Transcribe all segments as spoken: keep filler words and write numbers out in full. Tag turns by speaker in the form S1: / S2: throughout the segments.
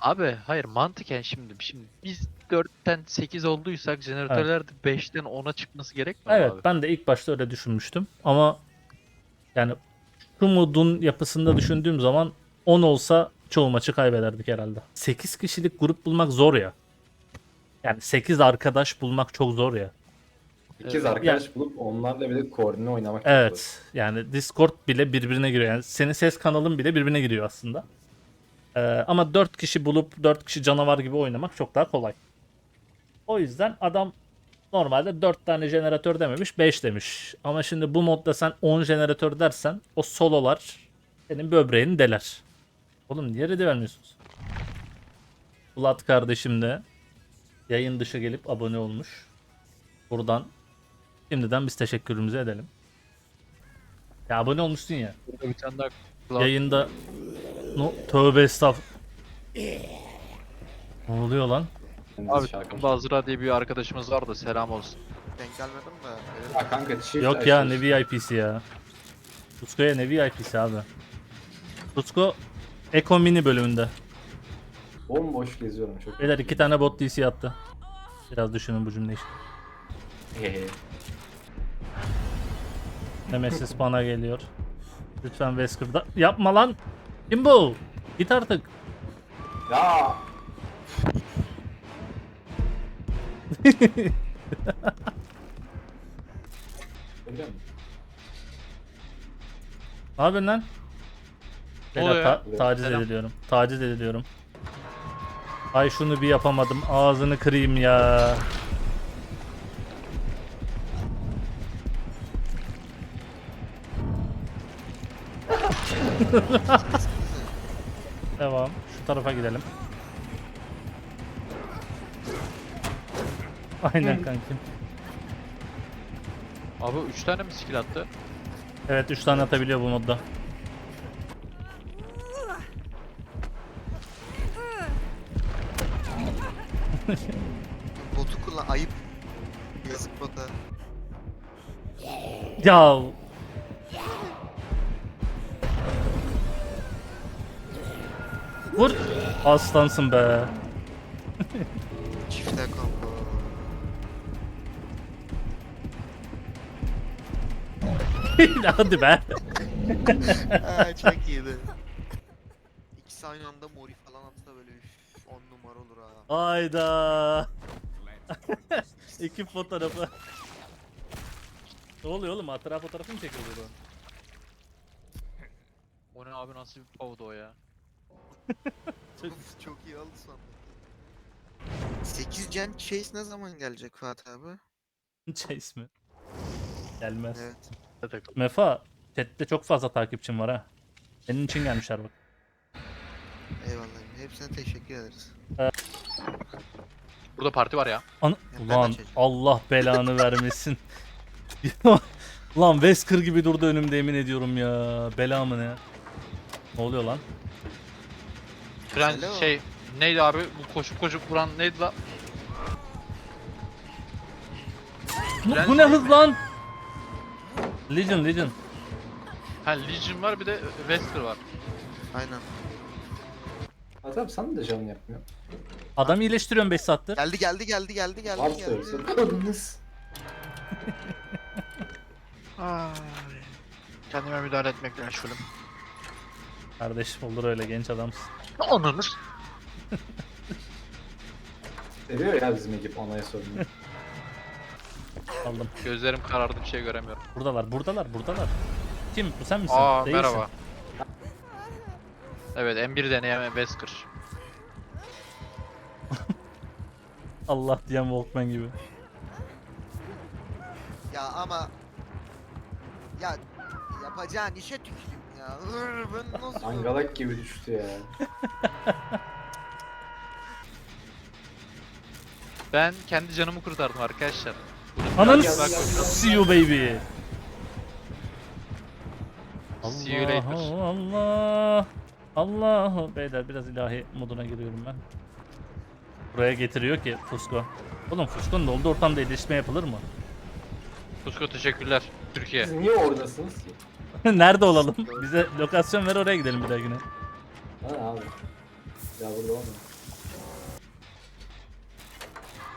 S1: Abi hayır mantıken şimdi şimdi biz dörtten sekiz olduysak jeneratörler de beşten ona çıkması gerekmiyor mu
S2: Evet,
S1: abi?
S2: ben de ilk başta öyle düşünmüştüm ama yani şu modun yapısında düşündüğüm zaman on olsa çoğu maçı kaybederdik herhalde. sekiz kişilik grup bulmak zor ya. Yani sekiz arkadaş bulmak çok zor ya.
S3: İkiz
S1: Evet.
S3: arkadaş bulup onlarla bir de koordine oynamak çok zor.
S2: Evet. Yani Discord bile birbirine giriyor. Yani senin ses kanalın bile birbirine giriyor aslında. Ee, ama dört kişi bulup dört kişi canavar gibi oynamak çok daha kolay. O yüzden adam normalde dört tane jeneratör dememiş, beş demiş. Ama şimdi bu modda sen on jeneratör dersen o sololar senin böbreğini deler. Oğlum niye ready vermiyorsunuz? Vlad kardeşim de yayın dışı gelip abone olmuş. Buradan şimdiden biz teşekkürümüzü edelim. Ya abone olmuşsun ya.
S1: Burada bir tane daha
S2: Yayında no, tövbe estağf. Ne oluyor lan?
S1: Abi
S3: Şarkı.
S1: Bazra diye bir arkadaşımız var da selam olsun.
S4: Denk gelmedim de. öyle-
S3: Ya kanka çift
S2: Yok ya
S3: açıyorsun.
S2: ne V I P'si ya. Tutsko'ya ne V I P'si abi. Tutsko Eko Mini bölümünde.
S3: Bomboş geziyorum çok.
S2: Beyler iki tane bot D C attı. Biraz düşünün bu cümleyi.
S3: Hehe.
S2: Nemesis bana geliyor. Lütfen Wesker'da. Yapma lan. Kim bu? Git artık.
S3: Ya. Öyle mi?
S2: Ne yapıyorsun lan?
S1: Ne
S2: Beyler,
S1: oluyor
S2: ta-
S3: ya?
S2: taciz
S1: Selam.
S2: ediliyorum. Taciz ediliyorum. Ay şunu bir yapamadım. Ağzını kırayım ya. Devam. Şu tarafa gidelim. Aynen kankim.
S1: Abi üç tane mi skill attı?
S2: Evet üç tane atabiliyor bu modda.
S4: Botu kullan. Ayıp. Yazık bota.
S2: Ya vur. Aslansın be.
S4: Çifte combo.
S2: Hadi be.
S4: Ha, çok iyiydi. İkisi aynı anda mori falan atsa böyle üf, on numara olur ha.
S2: Hayda. Ekip fotoğrafı. Ne oluyor oğlum? Hatıra fotoğrafı mı çekiyor bu?
S1: O ne abi nasıl bir pavdu o ya?
S4: Of, çok iyi oldu sandım. sekiz Gen Chase ne zaman gelecek Fatih abi?
S2: Chase mi? Gelmez.
S4: Evet.
S2: Mefa, chatte çok fazla takipçim var ha. Senin için gelmişler bak.
S4: Eyvallah. Hepsine teşekkür ederiz.
S1: Burada parti var ya.
S2: Ana-
S4: ben de
S2: Ulan
S4: çekeceğim.
S2: Allah belanı vermesin. Lan Wesker gibi durdu önümde yemin ediyorum ya. Bela mı ne? Ne oluyor lan?
S1: Tren
S4: Alo.
S1: şey neydi abi bu koşup koşup vuran neydi la?
S2: Bu,
S1: Tren
S2: bu ne
S1: değil
S2: hız
S1: mi?
S2: lan? Legion Legion.
S1: Ha Legion var bir de Wesker var.
S4: Aynen.
S3: Ha tabii sana da canım yapmıyor.
S2: Adam iyileştiriyorum beş saattir.
S4: Geldi geldi geldi geldi geldi
S3: Var
S4: geldi.
S3: söylüyorsun. Kadınız.
S1: Ay. Kendime müdahale etmekle meşgulüm.
S2: Kardeşim olur öyle genç adamsın.
S1: Onunuz.
S3: Seviyor ya bizim ekip onaya sorunu.
S2: Aldım.
S1: Gözlerim karardı bir şey göremiyorum.
S2: Buradalar buradalar buradalar. Kim? Bu sen misin?
S1: Aa
S2: Değilsin.
S1: merhaba. Evet M bir deneyeme Wesker.
S2: Allah diyen Walkman gibi.
S4: Ya ama ya yapacağın işe tüküreyim ya. Hır, ben nasıl
S3: Angalak gibi düştü ya.
S1: Ben kendi canımı kurtardım arkadaşlar.
S2: Ananı
S3: Gel, gel, gel.
S2: see you baby.
S1: See you later.
S2: Allah Allah. Allah. Beyler biraz ilahi moduna giriyorum ben. Buraya getiriyor ki Fusco. Oğlum Fusco'nun olduğu ortamda iyileşme yapılır mı?
S1: Tusko teşekkürler. Türkiye.
S3: Siz niye oradasınız ki?
S2: Nerede olalım? Bize lokasyon ver oraya gidelim bir dahakine.
S3: Ha abi. Ya burada olmuyor.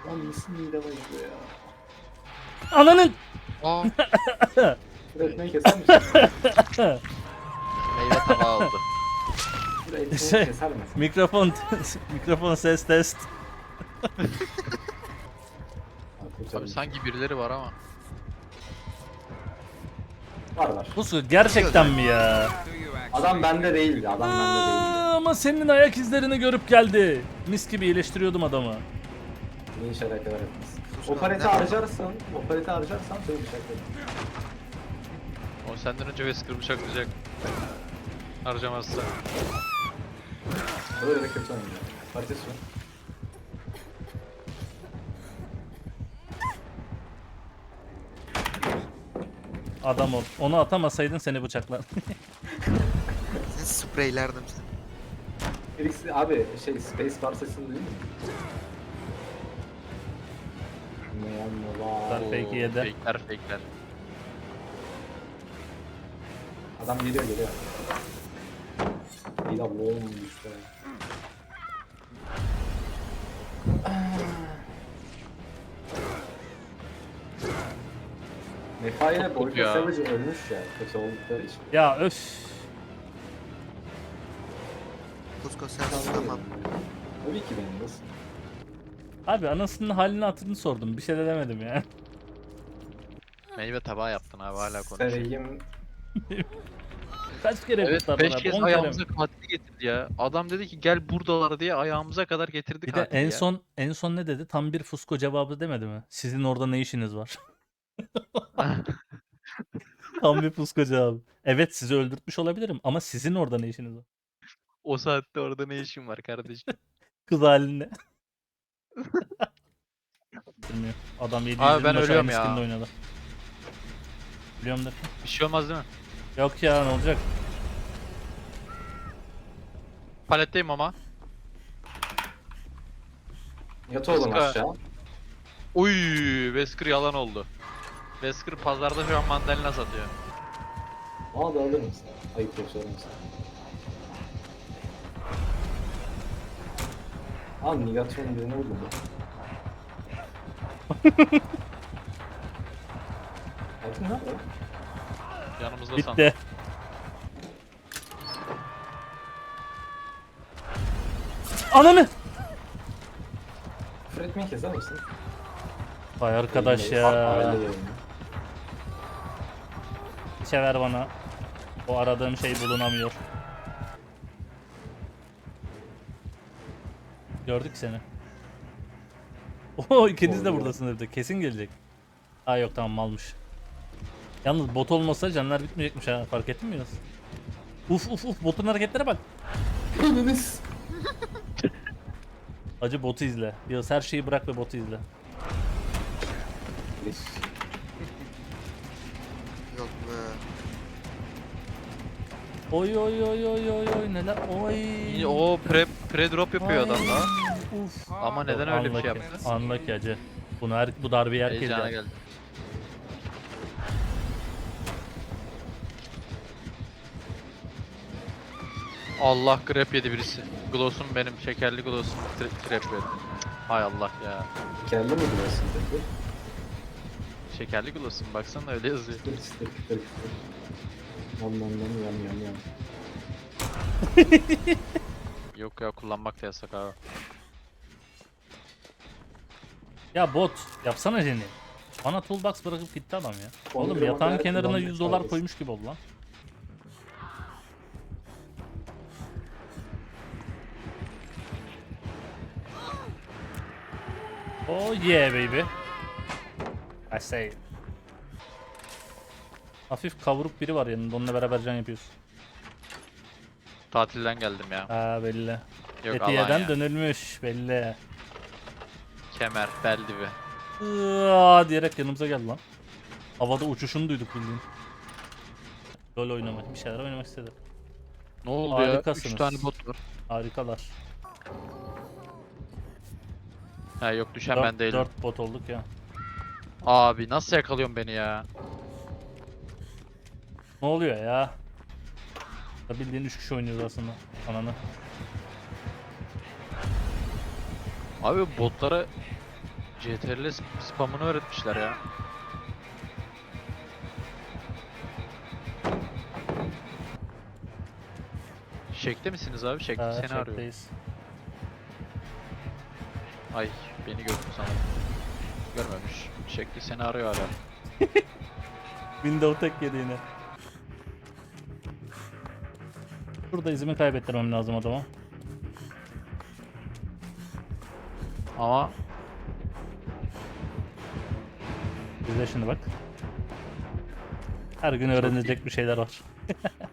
S3: Lan nasıl mide acıyor ya?
S2: Ananın!
S1: Aa,
S3: Şuraya ekmeği keser misin?
S1: meyve tabağı oldu.
S3: Şuraya ekmeği
S2: Şey-
S3: keser misin?
S2: Mikrofon mikrofon ses test.
S3: Ha, kurtarın.
S1: Abi sanki birileri var ama.
S3: Var var.
S2: Bu gerçekten mi ya?
S3: Adam bende değildi. Adam bende değildi.
S2: Aa, ama senin ayak izlerini görüp geldi. Mis gibi iyileştiriyordum adamı.
S3: İyi şeyler kadar etmez.
S4: Kusura
S3: O pareti
S4: bakma.
S3: harcarsan, o pareti harcarsan seni bıçaklarım.
S1: O senden önce Wesker bıçaklayacak. Harcamazsa.
S3: O da öyle kötü oynuyor. Pareti su.
S2: Adam ol. Onu atamasaydın seni bıçaklar.
S4: Sen spreylerdim seni.
S3: Felix abi şey Space Bar sesini duydun mu? Ne var?
S2: Var. Fake yedi.
S1: Fake'ler fake'ler.
S3: Adam geliyor geliyor. İyi de boğulmuş işte. Mefa ile Boyka
S1: ya.
S3: Savage ölmüş ya. Kötü oldukları için.
S2: Ya öf.
S4: Kusko sen tamam.
S3: Tabii ki benim nasıl?
S2: Abi anasının halini hatırını sordum. Bir şey de demedim ya.
S1: Meyve tabağı yaptın abi hala konuşuyor.
S3: Seveyim.
S2: Kaç kere
S1: Evet
S2: kurtardın
S1: beş
S2: abi?
S1: kez
S2: on kere mi?
S1: ayağımıza katili getirdi ya. Adam dedi ki gel buradalar diye ayağımıza kadar getirdi
S2: Bir de
S1: katili
S2: en
S1: ya.
S2: son en son ne dedi? Tam bir fusko cevabı demedi mi? Sizin orada ne işiniz var? Tam bir fusko cevabı. Evet sizi öldürtmüş olabilirim ama sizin orada ne işiniz var?
S1: O saatte orada ne işin var kardeşim?
S2: Kız haline. Bilmiyorum. Adam yedi
S1: Abi
S2: yüz
S1: ben
S2: maç
S1: ölüyorum
S2: aynı
S1: ya.
S2: skin'de oynadı. Biliyorum da.
S1: Bir şey olmaz değil mi?
S2: Yok ya ne olacak?
S1: Paletteyim ama.
S3: Yat oğlum
S1: Kıska.
S3: aşağı.
S1: Uy, Wesker yalan oldu. Wesker pazarda şu an mandalina satıyor.
S3: Aa da alır mısın? Ayıp yok sorun sana. Aa Nigatron'un birine vurdum ben. Hayatım nerede?
S1: Yanımızda sandım.
S2: Bitti. Ananı!
S3: Küfür etmeyi keser misin?
S2: Vay arkadaş
S3: Aile
S2: ya.
S3: yayını.
S2: Sever bana. O aradığım şey bulunamıyor. Gördük seni. Oo ikiniz de
S3: Oluyor.
S2: buradasınız evde. Kesin gelecek. Aa yok tamam malmış. Yalnız bot olmasa canlar bitmeyecekmiş ha. Fark ettin mi Yunus? Uf uf uf botun hareketlere bak.
S3: Ananız.
S2: Acı botu izle. Yunus her şeyi bırak ve botu izle.
S4: Yok be.
S2: Oy oy oy oy oy oy neler oy.
S1: İyi, O pre, pre drop yapıyor adam da.
S2: Uf.
S1: Ama neden öyle bir şey
S2: Unlucky,
S1: yaptı?
S2: Unlucky acı. Bunu her, bu darbeyi herkes
S1: Heyecana
S2: yer.
S1: geldi. Allah grab yedi birisi. Gloss'um benim şekerli gloss'um tra- trap yedi. Hay Allah ya.
S3: Kelli mi biliyorsun peki?
S1: Şekerli gloss'um baksana öyle yazıyor.
S3: Çıtır çıtır çıtır çıtır. Yam yam yam yam yam yam.
S1: Yok ya kullanmak da yasak abi.
S2: Ya bot yapsana Jenny. Bana toolbox bırakıp gitti adam ya.
S3: Onu
S2: Oğlum
S3: bir
S2: yatağın
S3: ama
S2: kenarına
S3: kullanmak
S2: yüz dolar
S3: lazım.
S2: koymuş gibi oldu lan. Oh yeah baby. I say. Hafif kavruk biri var yanında onunla beraber can yapıyoruz.
S1: Tatilden geldim ya.
S2: Aa belli.
S1: Yok
S2: Fethiye'den
S1: Alanya.
S2: dönülmüş belli.
S1: Kemer, bel dibi.
S2: Iıaa diyerek yanımıza geldi lan. Havada uçuşunu duyduk bildiğin. LoL oynamak, bir şeyler oynamak istedi.
S1: Ne oldu
S2: Harikasınız.
S1: ya? üç tane bot var.
S2: Harikalar.
S1: Ha yok düşen
S2: Dört-
S1: ben değilim.
S2: dört bot olduk ya.
S1: Abi nasıl yakalıyorsun beni ya?
S2: Ne oluyor ya? Ya bildiğin üç kişi oynuyoruz aslında. Ananı.
S1: Abi botlara C T R L spamını öğretmişler ya. Şekte misiniz abi? Şekte
S2: Ha,
S1: seni arıyor.
S2: çekteyiz.
S1: Ay beni gördü sanırım. Görmemiş. Şekli seni arıyor hala.
S2: Windows tek yedi yine. Burada izimi kaybettirmem lazım adama.
S1: Ama
S2: İzle şimdi bak. Her gün öğrenilecek bir şeyler var.